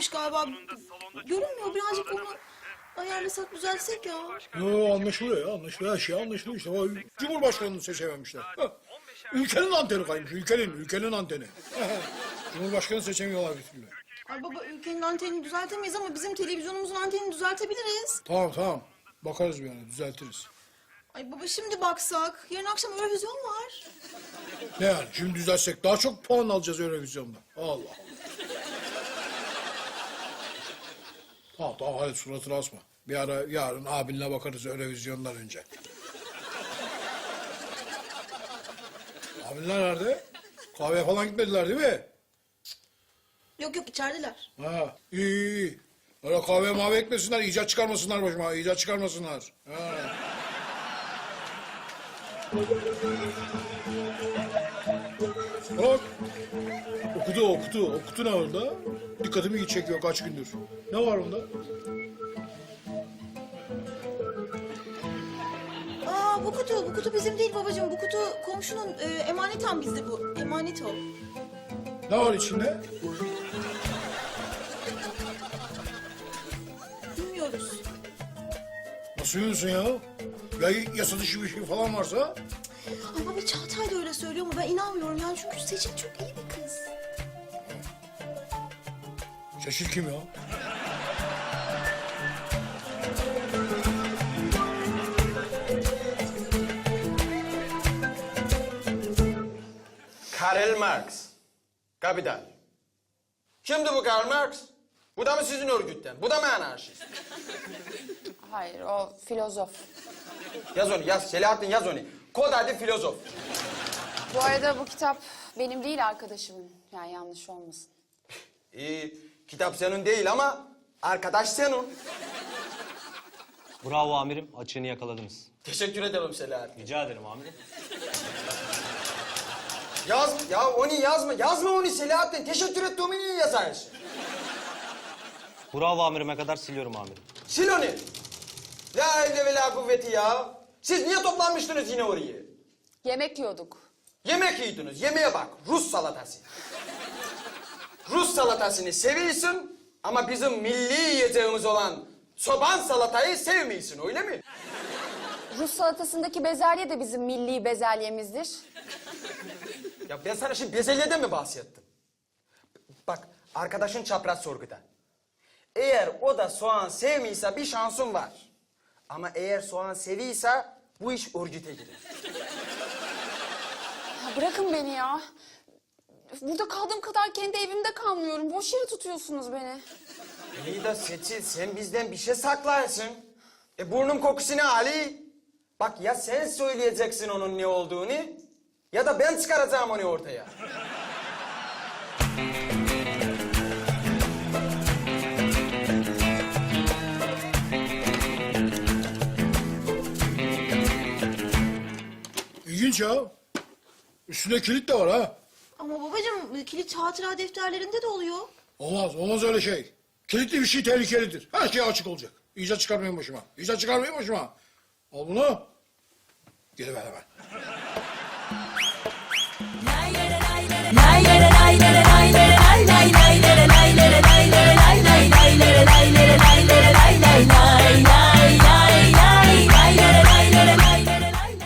varmış galiba. Görünmüyor, birazcık onu ayarlasak, düzeltsek ya. Yo, anlaşılıyor ya, anlaşılıyor. Her şey anlaşılıyor işte. O Cumhurbaşkanını seçememişler. Ülkenin anteni kaymış, ülkenin anteni. Cumhurbaşkanı seçemiyorlar bir türlü. Ay baba, ülkenin antenini düzeltemeyiz ama bizim televizyonumuzun antenini düzeltebiliriz. Tamam. Bakarız bir yana, düzeltiriz. Ay baba, şimdi baksak. Yarın akşam Eurovision var. Ne yani, şimdi düzeltsek daha çok puan alacağız Eurovizyon'da. Allah. Tamam, hadi suratını asma. Bir ara yarın abinle bakarız Eurovizyon'dan önce. Abinler nerede? Kahveye falan gitmediler değil mi? Yok, içerideler. Ha, iyi. Öyle kahve mavi etmesinler, icat çıkarmasınlar başıma, icat çıkarmasınlar. Ha. Bak, okudu ne orada? Dikkatimi çekiyor kaç gündür. Ne var onda? Aa, bu kutu bizim değil babacığım. Bu kutu komşunun, emaneten bizde bu. Emanet o. Ne var içinde? Bilmiyoruz. Nasıl yiyorsun ya? Ya yasa dışı bir şey falan varsa? Ay baba, Çağatay da öyle söylüyor ama ben inanmıyorum yani, çünkü Seçil çok iyi bir kız. Seçil kim ya? Karl Marx. Kapital. Kimdi bu Karl Marx? Bu da mı sizin örgütten? Bu da mı anarşist? Hayır, o filozof. Yaz onu, yaz. Selahattin yaz onu. Kod adı filozof. Bu arada bu kitap benim değil, arkadaşımın. Yani yanlış olmasın. Kitap senin değil ama arkadaş senin. Bravo amirim, açığını yakaladınız. Teşekkür ederim Selahattin. Rica ederim amirim. Yaz, ya onu yazma. Yazma onu Selahattin. Teşekkür ettiğimi niye yazarsın? Bravo amirime kadar siliyorum amirim. Sil onu. La havle ve la kuvveti ya. Siz niye toplanmıştınız yine oraya? Yemek yiyorduk. Yemek yiyordunuz. Yemeğe bak. Rus salatası. Rus salatasını seviyorsun ama bizim milli yiyeceğimiz olan çoban salatayı sevmiyorsun, öyle mi? Rus salatasındaki bezelye de bizim milli bezelyemizdir. Ya ben sana şimdi bezelyeden mi bahsettim? Bak, arkadaşın çapraz sorguda. Eğer o da soğan sevmiyorsa bir şansın var. Ama eğer soğan seviyorsa bu iş örgüte girer. Ya bırakın beni ya. Burada kaldığım kadar kendi evimde kalmıyorum. Boş yere tutuyorsunuz beni. İyi de Seçil, sen bizden bir şey saklarsın. Burnum kokusunu Ali. Bak, ya sen söyleyeceksin onun ne olduğunu ya da ben çıkaracağım onu ortaya. İlginç ya. Üstünde kilit de var ha. Ama babacığım, kilit hatıra defterlerinde de oluyor. Olmaz öyle şey. Kilitli bir şey tehlikelidir. Her şey açık olacak. İcat çıkarmayın başıma. Al bunu. Geliver hemen.